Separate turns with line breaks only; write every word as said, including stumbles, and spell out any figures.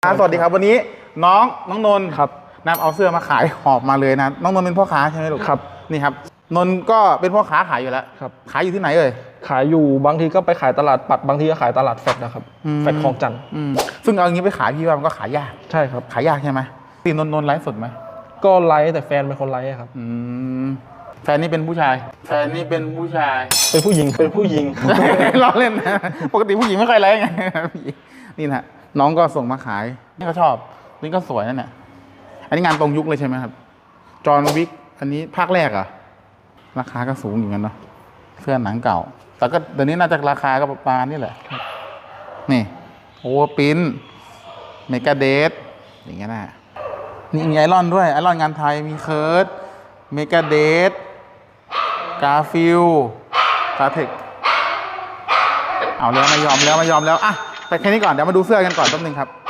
สวัสดีครับวันนี้น้องน้องนนท์
ครับ
นำเอาเสื้อมาขายหอบมาเลยนะน้องนนท์เป็นพ่อค้าใช่ไหมลูก
ครับ
นี่ครับนนท์ก็เป็นพ่อค้าขายอยู่แล้ว
ครับ
ขายอยู่ที่ไหนเอ่ย
ขายอยู่บางทีก็ไปขายตลาดปัดบางทีก็ขายตลาดแฟดนะครับ
อืม
แฟดคลองจันทร์
อืมซึ่งเอาอย่างนี้ไปขายพี่ว่ามันก็ขายยาก
ใช่ครับ
ขายยากใช่ไหมตีนนท์นนท์ไลฟ์สดไหม
ก็ไลฟ์แต่แฟนเป็นคนไลฟ์ครับ
อืมแฟนนี่เป็นผู้ชายแฟนนี่เป็นผู้ชาย
เป็นผู้หญิงเป็นผู้หญิง
ล้อเล่นนะปกติผู้หญิงไม่ค่อยไลฟ์ไงนี่นะน้องก็ส่งมาขายนี่ก็ชอบนี่ก็สวยนั่นแหละอันนี้งานตรงยุคเลยใช่ไหมครับจอห์นวิกอันนี้ภาคแรกเหรอะราคาก็สูงอยู่กันเนาะเสื้อหนังเก่า แต่ก็เดี๋ยวนี้น่าจะราคาก็ประมาณนี้แหละนี่โอเวอร์ปินเมกาเดทอย่างเงี้ยนะนี่มีไอรอนด้วยไอรอนงานไทยมีเคิร์ดเมกาเดทกาฟิลกาเทคเอาแล้วไม่ยอมแล้วไม่ยอมแล้วอ่ะไปแค่นี้ก่อนเดี๋ยวมาดูเสื้อกันก่อนแป๊บนึงครับ